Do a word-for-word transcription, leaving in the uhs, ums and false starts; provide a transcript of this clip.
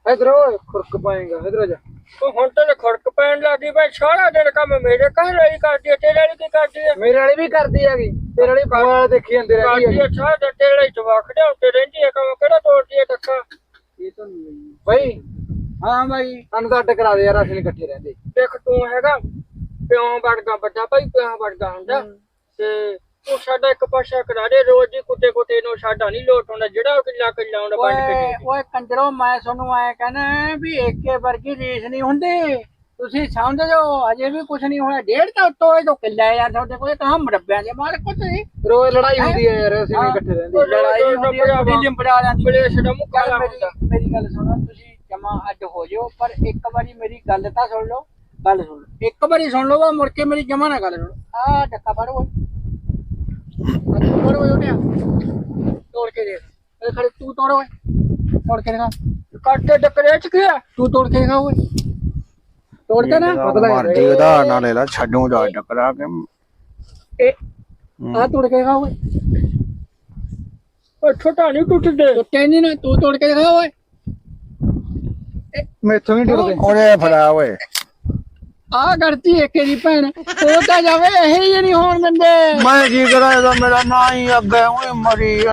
ਇਧਰ ਓਏ ਖੁਰਕ ਪਾਏਗਾ ਇਧਰ ਜਾ। ਉਹ ਹੁਣ ਤਾਂ ਖੜਕ ਪੈਣ ਲੱਗੀ ਬਈ ਸਾਰਾ ਦਿਨ ਕੰਮ ਮੇਰੇ ਘਰ ਵਾਲੀ ਕਰਦੀ ਹੈ ਤੇਰੇ ਵਾਲੀ ਕੀ ਕਰਦੀ ਹੈ? ਮੇਰੇ ਵਾਲੀ ਵੀ ਕਰਦੀ ਹੈਗੀ ਤੇਰੇ ਵਾਲੀ ਮੋਬਾਈਲ ਦੇਖੀ ਜਾਂਦੇ ਰਹਿੰਦੀ ਕਰਦੀ ਹੈ ਹੈਗੀ। ਸਾਰਾ ਦਿਨ ਤੇਰੇ ਵਾਲੀ ਜਵਾਕ ਦੇ ਉੱਤੇ ਰਹਿੰਦੀ ਹੈ ਕੰਮ ਕਿਹੜਾ ਤੋੜਦੀ ਹੈ ਟੱਕਾ? ਇਹ ਤਾਂ ਨਹੀਂ ਬਈ। ਹਾਂ ਬਾਈ ਸਾਨੂੰ ਤਾਂ ਅੱਡ ਕਰਾ ਦੇ ਯਾਰ ਅਸੀਂ ਇਕੱਠੇ ਰਹਿੰਦੇ। ਦੇਖ ਤੂੰ ਹੈਗਾ ਪਿਓ ਵਰਗਾ ਵੱਡਾ ਭਾਈ ਪਿਓ ਵਰਗਾ ਹੁੰਦਾ ਤੇ ਤੂੰ ਸਾਡਾ ਇੱਕ ਪਾਸਾ ਕਰਾ ਦੇ ਰੋਜ਼ ਹੀ ਕੁੱਤੇ ਕੁੱਤੇ ਨੂੰ ਸਾਡਾ ਨਹੀਂ ਲੋਟ ਹੁੰਦਾ ਜਿਹੜਾ ਉਹ ਕਿੱਲਾ ਕਿੱਲਾ ਹੁੰਦਾ ਵੰਡ ਕੇ ਦੇ ਦੇ। ਓਏ ਕੰਜਰੋ ਮੈਂ ਤੁਹਾਨੂੰ ਐ ਕਹਿੰਦਾ ਵੀ ਏਕੇ ਵਰਗੀ ਰੀਸ ਨਹੀਂ ਹੁੰਦੀ। ਤੁਸੀਂ ਸਮਝ ਜਾਓ ਅਜੇ ਵੀ ਕੁਛ ਨਹੀਂ ਹੋਇਆ। ਡੇਢ ਤਾਂ ਉੱਤੋਂ ਇਹ ਤੋਂ ਕਿੱਲਾ ਯਾਰ ਤੁਹਾਡੇ ਕੋਲ ਤਾਂ ਮਰੱਬਿਆਂ ਦੇ ਮਾਲਕ ਕੁਛ ਨਹੀਂ। ਰੋਜ਼ ਲੜਾਈ ਹੁੰਦੀ ਹੈ ਯਾਰ ਅਸੀਂ ਨਹੀਂ ਇਕੱਠੇ ਰਹਿੰਦੇ। ਲੜਾਈ ਹੁੰਦੀ ਹੈ ਬਿਜਲੀ ਪੜਾ ਜਾਂਦੀ ਪਲੇਸ ਦਾ ਮੁੱਕਾ ਚੱਲ ਹੁੰਦਾ। ਮੇਰੀ ਮੇਰੀ ਗੱਲ ਸੁਣੋ ਤੁਸੀਂ ਜਮਾ ਅੱਡ ਹੋ ਜਾਓ ਪਰ ਇੱਕ ਵਾਰੀ ਮੇਰੀ ਗੱਲ ਤਾਂ ਸੁਣ ਲਓ। ਗੱਲ ਸੁਣ ਲਓ ਇੱਕ ਵਾਰੀ ਸੁਣ ਲਓ ਵਾ ਮੁੜ ਕੇ ਮੇਰੀ ਜਮਾ ਨਾ ਗੱਲ ਸੁਣੋ। ਆ ਡੱਕਾ ਫੜ ਓਏ ਤੋੜ ਓਏ ਉਹਨੇ ਤੋੜ ਕੇ ਦੇਖ ਇਹ ਖੜੇ ਤੂੰ ਤੋੜ ਓਏ ਤੋੜ ਕੇ ਦਿਖਾ ਕੱਟੇ ਟੱਕਰੇ ਚ ਗਿਆ ਤੂੰ ਤੋੜ ਕੇ ਦਿਖਾ ਓਏ ਤੋੜ ਕੇ ਨਾ ਮਰਦੀ ਉਧਾਰ ਨਾਲ ਲੈ ਲਾ ਛੱਡੂ ਜਾ ਟਕਰਾ ਕੇ ਇਹ ਆ ਤੋੜ ਕੇ ਦਿਖਾ ਓਏ ਉਹ ਛੋਟਾ ਨਹੀਂ ਟੁੱਟਦੇ ਟੁੱਟੇ ਨਹੀਂ ਨਾ ਤੂੰ ਤੋੜ ਕੇ ਦਿਖਾ ਓਏ ਮੈਥੋਂ ਨਹੀਂ ਟੁੱਟਦੇ। ਉਹਨੇ ਫੜਾ ਓਏ ਆ ਕਰਤੀ ਏਕੇ ਦੀ ਭੈਣ ਉਹ ਤਾਂ ਜਾਵੇ ਇਹ ਹੀ ਨਹੀਂ ਹੋਣ ਦਿੰਦੇ। ਮੈਂ ਕੀ ਕਰਾਂ ਇਹਦਾ ਮੇਰਾ ਨਾਂ ਹੀ ਅੱਗੇ ਓਏ ਮਰੀ